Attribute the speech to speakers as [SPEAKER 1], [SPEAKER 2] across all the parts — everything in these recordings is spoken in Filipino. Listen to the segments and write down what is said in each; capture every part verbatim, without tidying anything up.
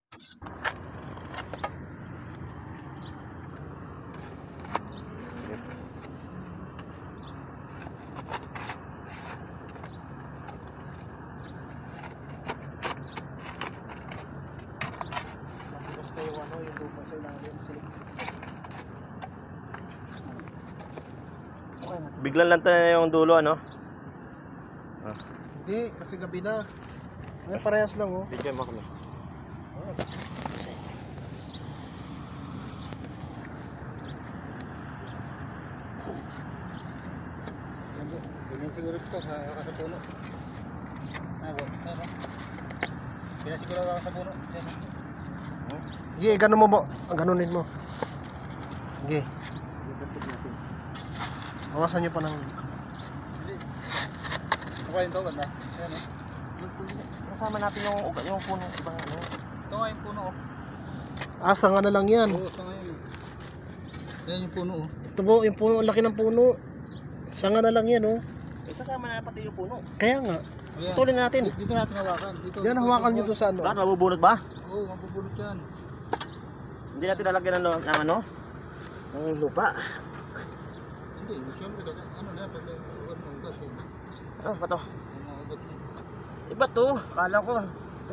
[SPEAKER 1] Basta yung ano, yung lupa sa ilalim, siliksik. Okay na.
[SPEAKER 2] Biglang lang tayo yung dulo, ano? Ah.
[SPEAKER 1] Hindi, kasi gabi na. Ay, parehas lang oh.
[SPEAKER 2] Video mo kami.
[SPEAKER 1] Oh. Ganyan siguro ito sa puno. Ah, wala. Pero, pinasiguro ako sa puno. Sige, ganun mo mo. Ganunin mo. Sige. Awasan nyo pa ng... Okay yun to, ganda. Ayan o.
[SPEAKER 2] Kasama natin yung, yung puno. Ibang ano.
[SPEAKER 1] Ito nga yung puno o. Ah, sanga na lang yan. Oo, sanga yan. Ayan yung puno o. Ito po, yung puno, ang laki ng puno. Sanga na lang yan o.
[SPEAKER 2] Eh, kasama na pati yung puno.
[SPEAKER 1] Kaya nga.
[SPEAKER 2] Tutulin natin.
[SPEAKER 1] Dito natin hawakan. Dito, yan, hawakan nyo to sa ano.
[SPEAKER 2] Bakit mabubunot ba?
[SPEAKER 1] Oo, mabubunot yan.
[SPEAKER 2] Hindi natin lalagyan ng, lo- ng ano? Ng lupa.
[SPEAKER 1] Hindi, siyempre, ano na, pag ano, ugat yun.
[SPEAKER 2] Ano ba to?
[SPEAKER 1] Ano, ugat yun.
[SPEAKER 2] Iba to. Kala ko. Isa.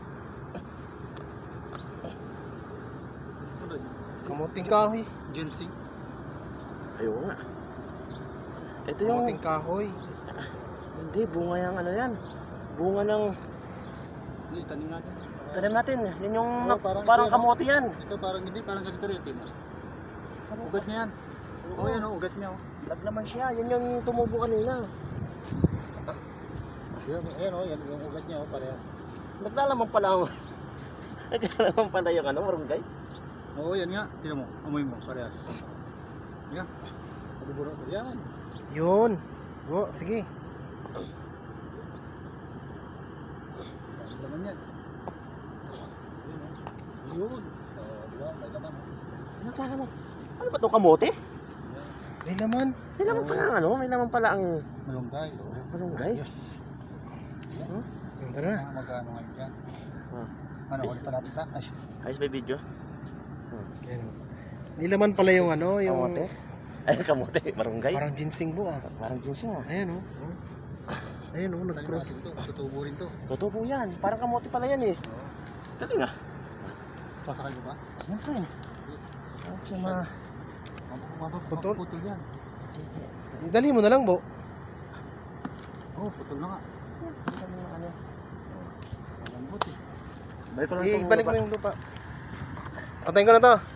[SPEAKER 1] Ano yun?
[SPEAKER 3] Kamuting kahoy.
[SPEAKER 1] Ginseng.
[SPEAKER 2] Ayaw nga. Ito yung...
[SPEAKER 3] Kamuting kahoy.
[SPEAKER 2] Hindi, bunga yung ano yan. Bunga ng...
[SPEAKER 1] Hindi, tanim natin.
[SPEAKER 2] Tanim natin. Yan yung...
[SPEAKER 1] Oo,
[SPEAKER 2] nak-
[SPEAKER 1] parang
[SPEAKER 2] parang
[SPEAKER 1] ito,
[SPEAKER 2] kamote yan.
[SPEAKER 1] Ito parang hindi, parang ganito rin. Ito, ugat niya yan. Oo, yan o, ugat niya o.
[SPEAKER 2] Naglaman siya. Yan yung tumubo kanina.
[SPEAKER 1] Yan, yan o, yan yung ugat niya o, parehas.
[SPEAKER 2] Naglalaman pala ang... Naglalaman pala yung ano, marunggay.
[SPEAKER 1] Oo, yan nga. Tingnan mo, amoy mo, parehas. Yan. Mabubunot ko. Yan.
[SPEAKER 3] Yun. O, sige.
[SPEAKER 1] May laman yan. Yun o.
[SPEAKER 2] Yun.
[SPEAKER 1] Oo, di ba? May laman o.
[SPEAKER 2] Naglalaman. Ano ba itong kamote?
[SPEAKER 3] May laman.
[SPEAKER 2] May laman pala ang ano? May laman pala ang...
[SPEAKER 1] Malunggay.
[SPEAKER 2] Malunggay?
[SPEAKER 1] Yes.
[SPEAKER 3] Huh? Ganda na.
[SPEAKER 1] Yan, magkano ngayon yan.
[SPEAKER 2] Ah.
[SPEAKER 1] Ano, ulit pa natin sa... Ay,
[SPEAKER 2] Ayos ba yung video?
[SPEAKER 3] Yan. May laman pala yung ano, yung...
[SPEAKER 2] Kamote? Ay, kamote. Marunggay?
[SPEAKER 3] Parang ginseng bu ah.
[SPEAKER 2] Parang ginseng ah.
[SPEAKER 3] Ayan o. Ayan o,
[SPEAKER 1] tanim natin
[SPEAKER 3] nag-cross.
[SPEAKER 1] to. Tutubo rin to.
[SPEAKER 2] Tutubo yan. Parang kamote pala yan eh.
[SPEAKER 1] Oo.
[SPEAKER 2] Galing ah.
[SPEAKER 1] Sasakal mo ba?
[SPEAKER 2] Siyempre. Okay, ma...
[SPEAKER 1] Putol? Putol yan.
[SPEAKER 3] Dali mo na lang, Bo.
[SPEAKER 1] Oo, oh, putol na nga.
[SPEAKER 2] Ano?
[SPEAKER 1] Malambot eh.
[SPEAKER 2] Balik ko lang
[SPEAKER 3] Eh,
[SPEAKER 2] itong
[SPEAKER 3] balik mo
[SPEAKER 2] lupa.
[SPEAKER 3] yung lupa. Antayin ko na to.